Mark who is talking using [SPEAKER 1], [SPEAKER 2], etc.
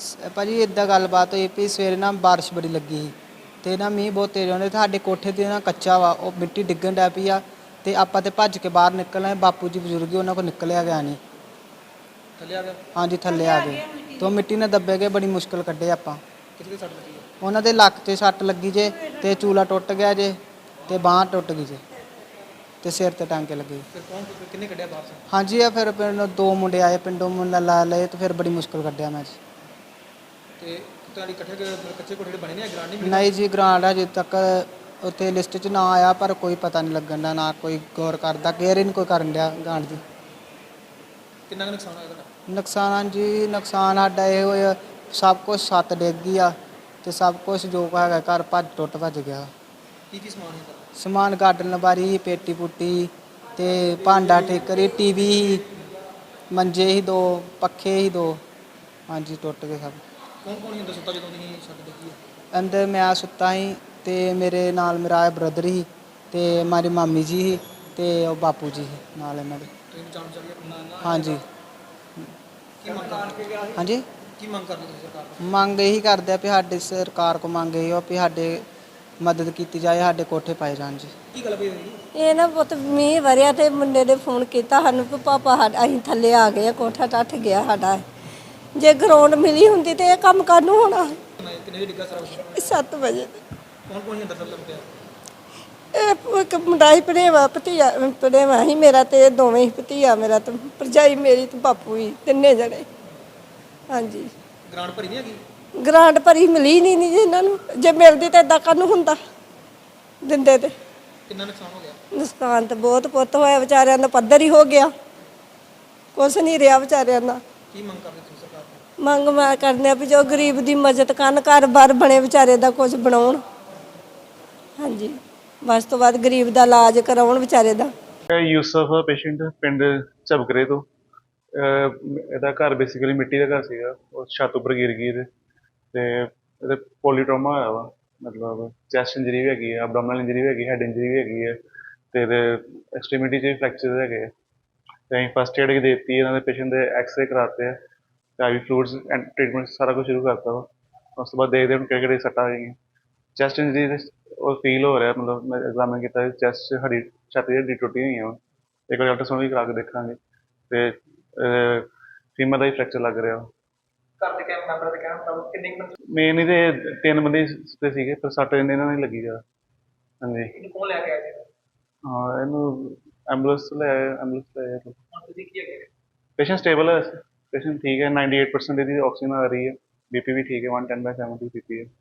[SPEAKER 1] ਭਾਜੀ ਇੱਦਾਂ ਗੱਲਬਾਤ ਹੋਈ ਵੀ ਸਵੇਰੇ ਨਾ ਬਾਰਿਸ਼ ਬੜੀ ਲੱਗੀ ਸੀ ਅਤੇ ਨਾ ਮੀਂਹ ਬਹੁਤ ਤੇਜ਼ ਆਉਂਦੇ, ਸਾਡੇ ਕੋਠੇ 'ਤੇ ਨਾ ਕੱਚਾ ਵਾ, ਉਹ ਮਿੱਟੀ ਡਿੱਗਣ ਡੈ ਪਈ ਆ ਅਤੇ ਆਪਾਂ ਤਾਂ ਭੱਜ ਕੇ ਬਾਹਰ ਨਿਕਲ ਆਏ। ਬਾਪੂ ਜੀ ਬਜ਼ੁਰਗ ਉਹਨਾਂ ਕੋਲ ਨਿਕਲਿਆ ਗਿਆ ਨਹੀਂ।
[SPEAKER 2] ਥੱਲੇ ਆ ਗਿਆ।
[SPEAKER 1] ਹਾਂਜੀ ਥੱਲੇ ਆ ਗਏ ਅਤੇ ਉਹ ਮਿੱਟੀ ਨਾਲ ਦੱਬੇ ਗਏ, ਬੜੀ ਮੁਸ਼ਕਿਲ ਕੱਢੇ ਆਪਾਂ।
[SPEAKER 2] ਕਿੱਥੇ ਸੱਟ ਲੱਗੀ ਹੈ?
[SPEAKER 1] ਉਹਨਾਂ ਦੇ ਲੱਕ 'ਤੇ ਸੱਟ ਲੱਗੀ ਜੇ, ਅਤੇ ਚੂਲਾ ਟੁੱਟ ਗਿਆ ਜੇ, ਅਤੇ ਬਾਂਹ ਟੁੱਟ ਗਈ ਜੇ, ਅਤੇ ਸਿਰ 'ਤੇ ਟਾਂਕੇ ਲੱਗੇ।
[SPEAKER 2] ਫਿਰ ਕਿੰਨੇ ਕੱਢਿਆ ਬਾਹਰ ਸੇ?
[SPEAKER 1] ਹਾਂਜੀ ਆ ਫਿਰ ਪਿੰਡ 2 ਮੁੰਡੇ ਆਏ, ਪਿੰਡੋਂ ਮੁੰਡਾ ਲਾ ਲਏ, ਅਤੇ ਫਿਰ ਬੜੀ ਮੁਸ਼ਕਿਲ ਕੱਢਿਆ ਮੈਂ ਜੀ।
[SPEAKER 2] ਤੇ ਤੁਹਾਡੀ ਕੱਚੇ ਕੋਠੇ ਬਣੇ ਨੇ, ਗਰਾਂਡ ਨਹੀਂ ਮਿਲੀ?
[SPEAKER 1] ਨਹੀਂ ਜੀ ਗਰਾਂਡ ਅਜੇ ਤੱਕ ਉੱਥੇ ਲਿਸਟ 'ਚ ਨਾ ਆਇਆ, ਪਰ ਕੋਈ ਪਤਾ ਨਹੀਂ ਲੱਗਣ ਦਾ, ਨਾ ਕੋਈ ਗੌਰ ਕਰਦਾ, ਕੇਅਰ ਹੀ ਨਹੀਂ ਕੋਈ ਕਰਨ ਡਿਆ ਗਰਾਂਡ ਦੀ।
[SPEAKER 2] ਕਿੰਨਾ ਕੁ ਨੁਕਸਾਨ ਹੋਇਆ ਤੁਹਾਡਾ?
[SPEAKER 1] ਨੁਕਸਾਨ ਜੀ ਨੁਕਸਾਨ ਸਾਡਾ ਇਹ ਹੋਇਆ, ਸਭ ਕੁਛ ਛੱਤ ਡਿੱਗ ਗਈ ਆ, ਅਤੇ ਸਭ ਕੁਛ ਜੋ ਹੈਗਾ ਘਰ ਭੱਜ ਗਿਆ।
[SPEAKER 2] ਕੀ ਕੀ ਸਮਾਨ ਹੈ ਤੁਹਾਡਾ?
[SPEAKER 1] ਸਮਾਨ ਗਾਰਡਨ ਲਬਾਰੀ, ਪੇਟੀ ਪੁੱਟੀ, ਅਤੇ ਭਾਂਡਾ ਟੇਕਰੀ, ਟੀਵੀ, ਮੰਜੇ ਸੀ 2, ਪੱਖੇ ਸੀ 2, ਹਾਂਜੀ ਟੁੱਟ ਗਏ ਸਭ।
[SPEAKER 2] ਕੌਣ ਕੌਣ ਹੁੰਦਾ ਸੁੱਤਾ ਜਦੋਂ ਤੁਸੀਂ ਛੱਤ ਡਿੱਗੀ ਹੈ?
[SPEAKER 1] ਅੰਦਰ ਮੈਂ ਸੁੱਤਾ ਸੀ, ਅਤੇ ਮੇਰੇ ਨਾਲ ਮੇਰਾ ਬ੍ਰਦਰ ਸੀ, ਅਤੇ ਮੇਰੀ ਮਾਮੀ ਜੀ ਸੀ, ਅਤੇ ਉਹ ਬਾਪੂ ਜੀ ਸੀ ਨਾਲ ਇਹਨਾਂ ਦੇ।
[SPEAKER 2] ਤੁਸੀਂ ਬਚਾਉਣ ਚੱਲ ਗਏ?
[SPEAKER 1] ਹਾਂਜੀ
[SPEAKER 2] ਕੀ ਮੰਗ ਕਰਦੇ?
[SPEAKER 1] ਹਾਂਜੀ
[SPEAKER 2] ਕੀ ਮੰਗ ਕਰਦੇ ਤੁਸੀਂ ਸਰਕਾਰ ਤੋਂ?
[SPEAKER 1] ਮੰਗ ਇਹੀ ਕਰਦੇ ਆ ਵੀ ਸਾਡੇ ਸਰਕਾਰ ਕੋ ਮੰਗ ਇਹੀ ਆ ਵੀ ਸਾਡੇ ਮਦਦ ਕੀਤੀ ਜਾਏ, ਸਾਡੇ ਕੋਠੇ ਪਾਏ ਜਾਣ ਜੀ।
[SPEAKER 2] ਕੀ ਗੱਲ ਪਈ ਹੋਈ ਜੀ?
[SPEAKER 3] ਇਹ ਨਾ ਪੁੱਤ ਮੀਂਹ ਵਰਿਆ ਤੇ ਮੁੰਡੇ ਨੇ ਫੋਨ ਕੀਤਾ ਸਾਨੂੰ ਵੀ ਪਾਪਾ ਅਸੀਂ ਥੱਲੇ ਆ ਗਏ ਆ, ਕੋਠਾ ਟੱਟ ਗਿਆ ਸਾਡਾ। ਜੇ ਗਰਾਊਂਡ ਮਿਲੀ ਹੁੰਦੀ ਤੇ ਇਹ ਕੰਮ ਕਾਹਨੂੰ ਹੋਣਾ।
[SPEAKER 2] ਕਿੰਨੇ ਵਜੇ ਡਿੱਗਾ ਸਾਰਾ ਕੁਛ?
[SPEAKER 3] 7 ਵਜੇ
[SPEAKER 2] ਕੌਣ ਕੌਣ ਸੀ ਅੰਦਰ ਸਭ ਲੱਗਿਆ?
[SPEAKER 3] ਇਹ ਇੱਕ ਮੁੰਡਾ ਹੀ ਭਣੇਵਾ ਭਣੇਵਾ ਸੀ ਮੇਰਾ, ਤੇ ਇਹ ਦੋਵੇਂ ਹੀ ਭਤੀਆ ਮੇਰਾ, ਤੇ ਭਰਜਾਈ ਮੇਰੀ ਤੇ ਬਾਪੂ ਹੀ, ਤਿੰਨੇ ਜਣੇ। ਹਾਂਜੀ
[SPEAKER 2] ਗਰਾਂਡ ਭਰੀ ਨਹੀਂ ਹੈਗੀ?
[SPEAKER 3] ਗਰਾਂਡ ਭਰੀ ਮਿਲੀ ਨਹੀਂ ਜੀ ਇਹਨਾਂ ਨੂੰ, ਜੇ ਮਿਲਦੀ ਤਾਂ ਏਦਾਂ ਕਾਹਨੂੰ ਹੁੰਦਾ, ਦਿੰਦੇ ਤੇ।
[SPEAKER 2] ਕਿੰਨਾ ਨੁਕਸਾਨ ਹੋ ਗਿਆ?
[SPEAKER 3] ਨੁਕਸਾਨ ਤਾਂ ਬਹੁਤ ਪੁੱਤ ਹੋਇਆ, ਵਿਚਾਰਿਆਂ ਦਾ ਪੱਧਰ ਹੀ ਹੋ ਗਿਆ, ਕੁਛ ਨਹੀਂ ਰਿਹਾ ਵਿਚਾਰਿਆਂ ਦਾ।
[SPEAKER 2] ਕੀ ਮੰਗ ਕਰਦੇ ਤੁਸੀਂ ਸਰਕਾਰ ਤੋਂ?
[SPEAKER 3] ਮੰਗ ਮੈਂ ਕਰਦੇ ਆ ਵੀ ਜੋ ਗਰੀਬ ਦੀ ਮਦਦ ਕਰਨ, ਘਰ-ਬਾਰ ਬਣੇ ਵਿਚਾਰੇ ਦਾ ਕੁਝ ਬਣਾਉਣ। ਹਾਂਜੀ ਬਸ ਤੋਂ ਬਾਅਦ ਗਰੀਬ ਦਾ ਇਲਾਜ ਕਰਾਉਣ ਵਿਚਾਰੇ ਦਾ।
[SPEAKER 4] ਯੂਸਫ ਪੇਸ਼ੈਂਟ ਪਿੰਡ ਝਬਕਰੇ ਤੋਂ। ਇਹਦਾ ਘਰ ਬੇਸਿਕਲੀ ਮਿੱਟੀ ਦਾ ਘਰ ਸੀਗਾ, ਉਹ ਛੱਤ ਉੱਪਰ ਗਿਰ ਗਈ ਤੇ ਇਹਦੇ ਪੋਲੀਟਰਾਮਾ ਹੋਇਆ ਵਾ, ਮਤਲਬ ਚੈਸਟ ਇੰਜਰੀ ਵੀ ਹੈਗੀ ਹੈ, ਅਬਡੋਮਨਲ ਇੰਜਰੀ ਵੀ ਹੈਗੀ, ਹੈਡ ਇੰਜਰੀ ਵੀ ਹੈਗੀ ਹੈ, ਅਤੇ ਇਹਦੇ ਐਕਸਟ੍ਰੀਮਿਟੀ 'ਚ ਵੀ ਫਰੈਕਚਰ ਹੈਗੇ ਆ। ਅਤੇ ਅਸੀਂ ਫਸਟ ਏਡ ਦੇ ਦਿੱਤੀ, ਇਹਨਾਂ ਦੇ ਪੇਸ਼ੈਂਟ ਦੇ ਐਕਸਰੇ ਕਰਾਤੇ ਆ, ਅਤੇ I V fluids and treatment ਸਾਰਾ ਕੁਛ ਸ਼ੁਰੂ ਕਰਤਾ ਵਾ। ਉਸ ਤੋਂ ਬਾਅਦ ਦੇਖਦੇ ਹੁਣ ਕਿਹੜੇ ਕਿਹੜੇ ਸੱਟਾਂ ਹੈਗੀਆਂ। ਚੈਸਟ ਇੰਜਰੀ ਉਹ ਫੀਲ ਹੋ ਰਿਹਾ, ਮਤਲਬ ਮੈਂ ਐਗਜ਼ਾਮਿਨ ਕੀਤਾ, ਚੈਸਟ ਹੱਡੀ ਛਾਤੀ ਦੀ ਹੱਡੀ ਟੁੱਟੀ ਹੋਈ ਆ। ਇੱਕ ਵਾਰ ਅਲਟਰਾਸਾਊਂਡ ਵੀ ਕਰਾ ਕੇ ਦੇਖਾਂਗੇ। ਅਤੇ ਫੀਮਰ ਦਾ ਹੀ ਫਰੈਕਚਰ ਲੱਗ ਰਿਹਾ।
[SPEAKER 2] ਘਰ ਦੇ ਕਹਿਣ ਮੈਂਬਰਾਂ ਦੇ ਕਹਿਣ ਮੁਤਾਬਕ ਕਿੰਨੇ ਬੰਦੇ?
[SPEAKER 4] ਮੇਨ ਇਹਦੇ 3 ਬੰਦੇ ਤੇ ਸੀਗੇ, ਪਰ ਸੱਟ ਇਹਨਾਂ ਨਾਲ ਹੀ ਲੱਗੀ ਜ਼ਿਆਦਾ। ਹਾਂਜੀ
[SPEAKER 2] ਇਹਨੂੰ ਕੌਣ ਲੈ ਕੇ ਆਇਆ ਜੀ?
[SPEAKER 4] ਹਾਂ ਇਹਨੂੰ ਐਂਬੂਲੈਂਸ ਲੈ ਆਏ।
[SPEAKER 2] ਹੁਣ ਤੁਸੀਂ ਕੀ ਹੈਗੇ?
[SPEAKER 4] ਪੇਸ਼ੈਂਟ ਸਟੇਬਲ ਹੈ, ਪੇਸ਼ੈਂਟ ਠੀਕ ਹੈ, 98% ਇਹਦੀ ਆਕਸੀਜਨ ਆ ਰਹੀ ਹੈ, BP ਵੀ ਠੀਕ ਹੈ, 110/70 BP ਹੈ।